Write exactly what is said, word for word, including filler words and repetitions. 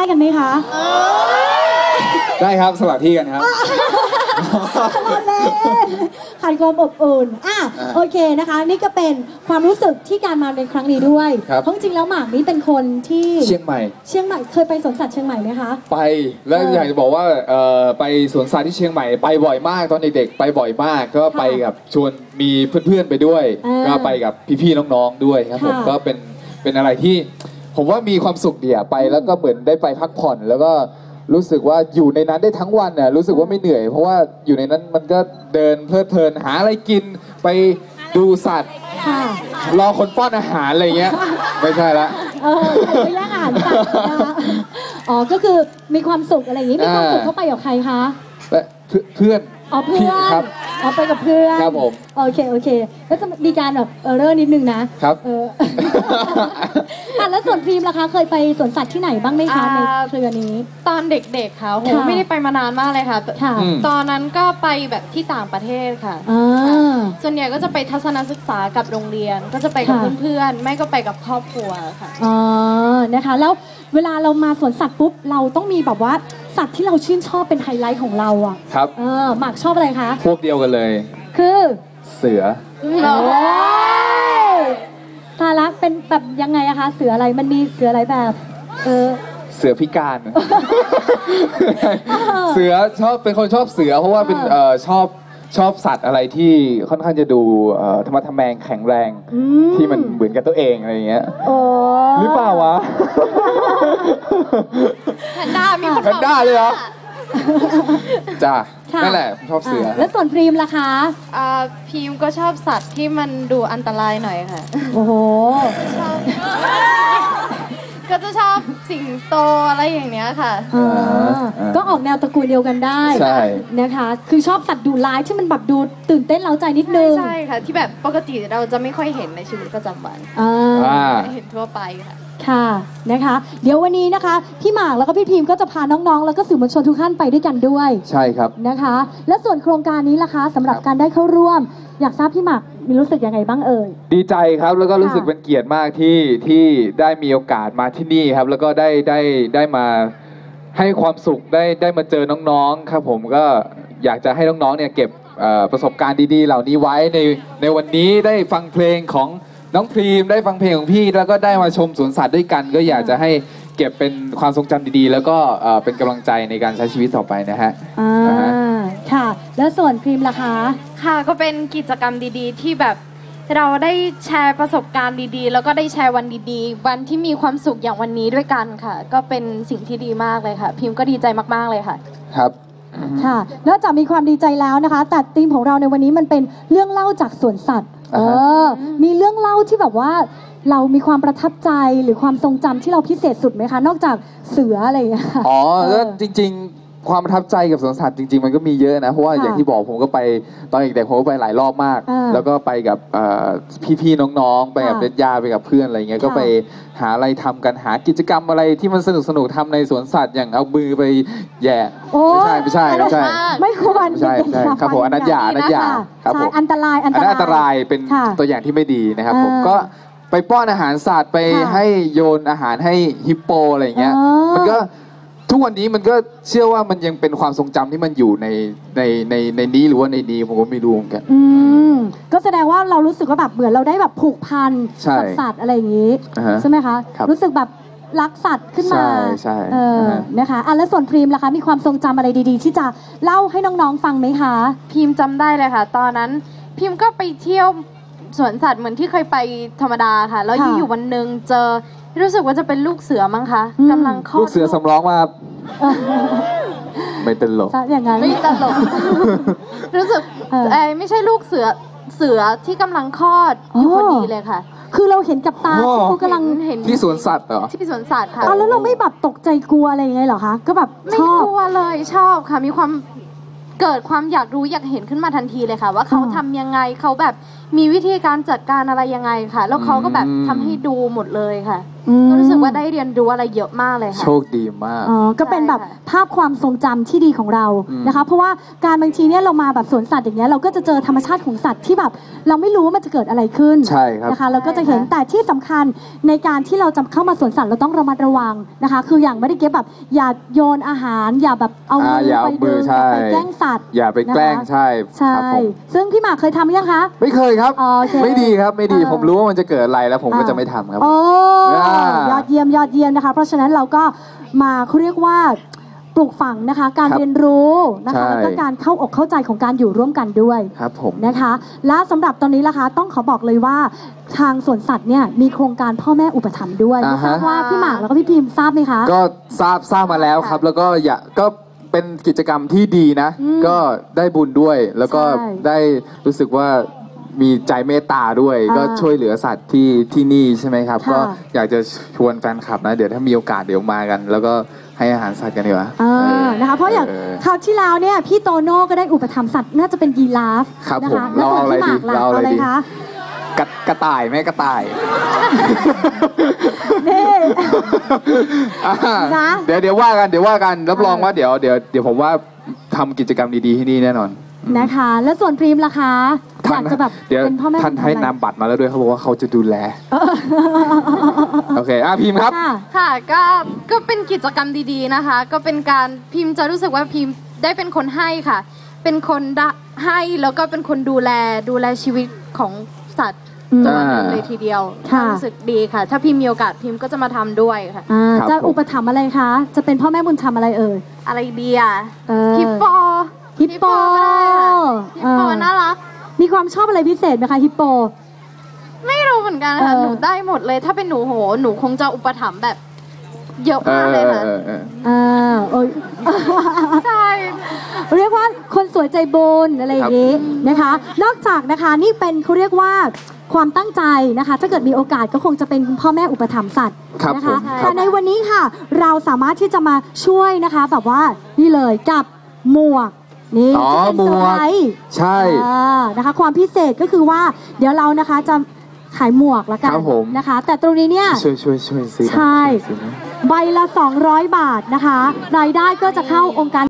กันไหมคะได้ครับสลับที่กันครับขาดความอบอุ่นอ่ะโอเคนะคะนี่ก็เป็นความรู้สึกที่การมาในครั้งนี้ด้วยเพราะจริงแล้วหมากนี่เป็นคนที่เชียงใหม่เชียงใหม่เคยไปสวนสัตว์เชียงใหม่ไหมคะไปแล้วอยากจะบอกว่าไปสวนสัตว์ที่เชียงใหม่ไปบ่อยมากตอนเด็กๆไปบ่อยมากก็ไปกับชวนมีเพื่อนๆไปด้วยก็ไปกับพี่ๆน้องๆด้วยครับผมก็เป็นเป็นอะไรที่ผมว่ามีความสุขดีอะไปแล้วก็เหมือนได้ไปพักผ่อนแล้วก็รู้สึกว่าอยู่ในนั้นได้ทั้งวันน่ะรู้สึกว่าไม่เหนื่อยเพราะว่าอยู่ในนั้นมันก็เดินเพลิดเพลินหาอะไรกินไปดูสัตว์รอคนป้อนอาหารอะไรเงี้ยไม่ใช่ละเออไปแย่งอาหารสัตว์นะคะอ๋อก็คือมีความสุขอะไรอย่างนี้มีความสุขเข้าไปกับใครคะเพื่อนอ๋อเพื่อนครับอ๋อไปกับเพื่อนครับผมโอเคโอเคแล้วจะมีการแบบเออเรอนิดนึงนะครับเอออ่ะแล้วส่วนพรีมล่ะคะเคยไปสวนสัตว์ที่ไหนบ้างไหมคะในเครือนี้ตอนเด็กๆค่ะโหไม่ได้ไปมานานมากเลยค่ะตอนนั้นก็ไปแบบที่ต่างประเทศค่ะส่วนใหญ่ก็จะไปทัศนศึกษากับโรงเรียนก็จะไปกับเพื่อนๆไม่ก็ไปกับครอบครัวค่ะอ๋อนะคะแล้วเวลาเรามาสวนสัตว์ปุ๊บเราต้องมีแบบว่าสัตว์ที่เราชื่นชอบเป็นไฮไลท์ของเราอ่ะครับเออหมากชอบอะไรคะพวกเดียวกันเลยคือเสือโอ้ยตาละเป็นแบบยังไงอะคะเสืออะไรมันมีเสืออะไรแบบเออเสือพิการเสือชอบเป็นคนชอบเสือเพราะว่าเป็นเอ่อชอบชอบสัตว์อะไรที่ค่อนข้างจะดูธรรมะทแมงแข็งแรงที่มันเหมือนกับตัวเองอะไรอย่างเงี้ยหรือเปล่าวะแพนด้ามีคนแพนด้าเลยเหรอจ้านั่นแหละชอบเสือแล้วส่วนพรีมล่ะคะพรีมก็ชอบสัตว์ที่มันดูอันตรายหน่อยค่ะโอ้โหชอบก็จะชอบสิงโตอะไรอย่างเนี้ยค่ะก็ออกแนวตระกูลเดียวกันได้นะคะคือชอบสัตว์ดุร้ายที่มันแบบดูตื่นเต้นเร้าใจนิดนึงใช่ค่ะที่แบบปกติเราจะไม่ค่อยเห็นในชีวิตประจำวันไม่เห็นทั่วไปค่ะค่ะนะคะเดี๋ยววันนี้นะคะพี่หมากแล้วก็พี่พิมก็จะพาน้องๆแล้วก็สื่อมวลชนทุกท่านไปด้วยกันด้วยใช่ครับนะคะและส่วนโครงการนี้ล่ะคะสำหรับการได้เข้าร่วมอยากทราบพี่หมากมีรู้สึกยังไงบ้างเอ่ยดีใจครับแล้วก็รู้สึกเป็นเกียรติมากที่ที่ได้มีโอกาสมาที่นี่ครับแล้วก็ได้ได้ได้มาให้ความสุขได้ได้มาเจอน้องๆครับผมก็อยากจะให้น้องๆเนี่ยเก็บประสบการณ์ดีๆเหล่านี้ไว้ในในวันนี้ได้ฟังเพลงของน้องพรีมได้ฟังเพลงของพี่แล้วก็ได้มาชมสวนสัตว์ด้วยกันก็อยากจะให้เก็บเป็นความทรงจำดีๆแล้วก็เป็นกำลังใจในการใช้ชีวิตต่อไปนะฮะอ่าค่ะแล้วส่วนพรีมล่ะคะค่ะก็เป็นกิจกรรมดีๆที่แบบเราได้แชร์ประสบการณ์ดีๆแล้วก็ได้แชร์วันดีๆวันที่มีความสุขอย่างวันนี้ด้วยกันค่ะก็เป็นสิ่งที่ดีมากเลยค่ะพิมก็ดีใจมากๆเลยค่ะครับค่ะนอกจากมีความดีใจแล้วนะคะแต่ธีมของเราในวันนี้มันเป็นเรื่องเล่าจากสวนสัตว์เออมีเรื่องเล่าที่แบบว่าเรามีความประทับใจหรือความทรงจำที่เราพิเศษสุดไหมคะนอกจากเสืออะไรอย่างเงี้ยอ๋อแล้วจริงๆความประทับใจกับสวนสัตว์จริงๆมันก็มีเยอะนะเพราะว่าอย่างที่บอกผมก็ไปตอนเด็กๆผมก็ไปหลายรอบมากแล้วก็ไปกับพี่ๆน้องๆไปกับญาติไปกับเพื่อนอะไรเงี้ยก็ไปหาอะไรทำกันหากิจกรรมอะไรที่มันสนุกสนุกทำในสวนสัตว์อย่างเอามือไปแย่ไม่ใช่ไม่ใช่ไม่ใช่ไม่ควรใช่ใช่ครับผมอนัตยาอนัตยาครับผมอันตรายอันตรายอันตรายเป็นตัวอย่างที่ไม่ดีนะครับผมก็ไปป้อนอาหารสัตว์ไปให้โยนอาหารให้ฮิปโปอะไรเงี้ยมันก็ทุกวันนี้มันก็เชื่อว่ามันยังเป็นความทรงจำที่มันอยู่ในในในในนี้หรือว่าในนี้ผมก็ไม่รู้เหมือนกันอืมก็แสดงว่าเรารู้สึกว่าแบบเหมือนเราได้แบบผูกพันกับสัตว์อะไรอย่างนี้ใช่ไหมคะรู้สึกแบบรักสัตว์ขึ้นมาใช่ใช่เออนะคะอ่ะแล้วส่วนพรีมล่ะคะมีความทรงจำอะไรดีๆที่จะเล่าให้น้องๆฟังไหมคะพิมจำได้เลยค่ะตอนนั้นพิมก็ไปเที่ยวสวนสัตว์เหมือนที่เคยไปธรรมดาค่ะแล้วอยู่วันหนึ่งเจอรู้สึกว่าจะเป็นลูกเสือมั้งคะกำลังคลอดลูกเสือสำร้องมาไม่ตลกอย่างนั้นไม่ตลกรู้สึกไอ้ไม่ใช่ลูกเสือเสือที่กำลังคลอดอยู่พอดีเลยค่ะคือเราเห็นกับตาที่เขากำลังเห็นที่สวนสัตว์เหรอที่สวนสัตว์ค่ะแล้วเราไม่แบบตกใจกลัวอะไรยังไงเหรอคะก็แบบไม่กลัวเลยชอบค่ะมีความเกิดความอยากรู้อยากเห็นขึ้นมาทันทีเลยค่ะว่าเขาทำยังไงเขาแบบมีวิธีการจัดการอะไรยังไงค่ะแล้วเขาก็แบบทำให้ดูหมดเลยค่ะก็รู้สึกว่าได้เรียนรู้อะไรเยอะมากเลยค่ะโชคดีมากอ๋อก็เป็นแบบภาพความทรงจำที่ดีของเรานะคะเพราะว่าการบางทีเนี่ยเรามาแบบสวนสัตว์อย่างเงี้ยเราก็จะเจอธรรมชาติของสัตว์ที่แบบเราไม่รู้ว่ามันจะเกิดอะไรขึ้นใช่ครับนะคะเราก็จะเห็นแต่ที่สำคัญในการที่เราจะเข้ามาสวนสัตว์เราต้องระมัดระวังนะคะคืออย่างไม่ได้เก็บแบบอย่าโยนอาหารอย่าแบบเอามือไปดึงอย่าไปแกล้งสัตว์อย่าไปแกล้งใช่ใช่ซึ่งพี่หมากเคยทำยังคะไม่เคยครับไม่ดีครับไม่ดีผมรู้ว่ามันจะเกิดอะไรแล้วผมก็จะไม่ทำครับโอ้ยอดเยี่ยมยอดเยี่ยมนะคะเพราะฉะนั้นเราก็มาเขาเรียกว่าปลูกฝังนะคะการเรียนรู้นะคะแล้วก็การเข้าอกเข้าใจของการอยู่ร่วมกันด้วยครับผมนะคะและสำหรับตอนนี้ล่ะคะต้องขอบอกเลยว่าทางสวนสัตว์เนี่ยมีโครงการพ่อแม่อุปถัมภ์ด้วยทราบว่าพี่หมากแล้วก็พี่พิมพ์ทราบไหมคะก็ทราบทราบมาแล้วครับแล้วก็อยากก็เป็นกิจกรรมที่ดีนะก็ได้บุญด้วยแล้วก็ได้รู้สึกว่ามีใจเมตตาด้วยก็ช่วยเหลือสัตว์ที่ที่นี่ใช่ไหมครับก็อยากจะชวนแฟนคลับนะเดี๋ยวถ้ามีโอกาสเดี๋ยวมากันแล้วก็ให้อาหารสัตว์กันดีกว่านะคะเพราะอย่างคราวที่แล้วเนี่ยพี่โตโน่ก็ได้อุปถัมภ์สัตว์น่าจะเป็นยีราฟนะคะแล้วส่วนพี่หมากล่ะอะไรคะกระกระต่ายไหมกระต่ายนี่นะเดี๋ยวเดี๋ยวว่ากันเดี๋ยวว่ากันรับรองว่าเดี๋ยวเดี๋ยวเดี๋ยวผมว่าทำกิจกรรมดีๆที่นี่แน่นอนนะคะแล้วส่วนพรีมล่ะคะอยากจะแบบเป็นพ่อแม่ท่านให้นามบัตรมาแล้วด้วยเขาบอกว่าเขาจะดูแลโอเคอ่ะพิมพ์ครับค่ะก็ก็เป็นกิจกรรมดีๆนะคะก็เป็นการพิมพ์จะรู้สึกว่าพิมพ์ได้เป็นคนให้ค่ะเป็นคนให้แล้วก็เป็นคนดูแลดูแลชีวิตของสัตว์ตัวนึงเลยทีเดียวรู้สึกดีค่ะถ้าพิมพ์มีโอกาสพิมพ์ก็จะมาทำด้วยค่ะจะอุปถัมภ์อะไรคะจะเป็นพ่อแม่บุญธรรมอะไรเอ่ยอะไรดีอ่ะฮิปโปฮิปโปฮิปโปน่ารักมีความชอบอะไรพิเศษไหมคะฮิปโปไม่รู้เหมือนกันค่ะหนูได้หมดเลยถ้าเป็นหนูโหหนูคงจะอุปถัมภ์แบบเยอะมากเลยค่ะอ่าโอ้ยใช่เรียกว่าคนสวยใจบุญอะไรอย่างนี้นะคะนอกจากนะคะนี่เป็นเขาเรียกว่าความตั้งใจนะคะถ้าเกิดมีโอกาสก็คงจะเป็นพ่อแม่อุปถัมภ์สัตว์นะคะแต่ในวันนี้ค่ะเราสามารถที่จะมาช่วยนะคะแบบว่านี่เลยกับหมวกนี่จะเป็นเซอร์ไพรส์ใช่นะคะความพิเศษก็คือว่าเดี๋ยวเรานะคะจะขายหมวกแล้วกันนะคะแต่ตรงนี้เนี่ยช่วยช่วยช่วยซื้อใช่ใบละสองร้อยบาทนะคะรายได้ก็จะเข้าองค์การ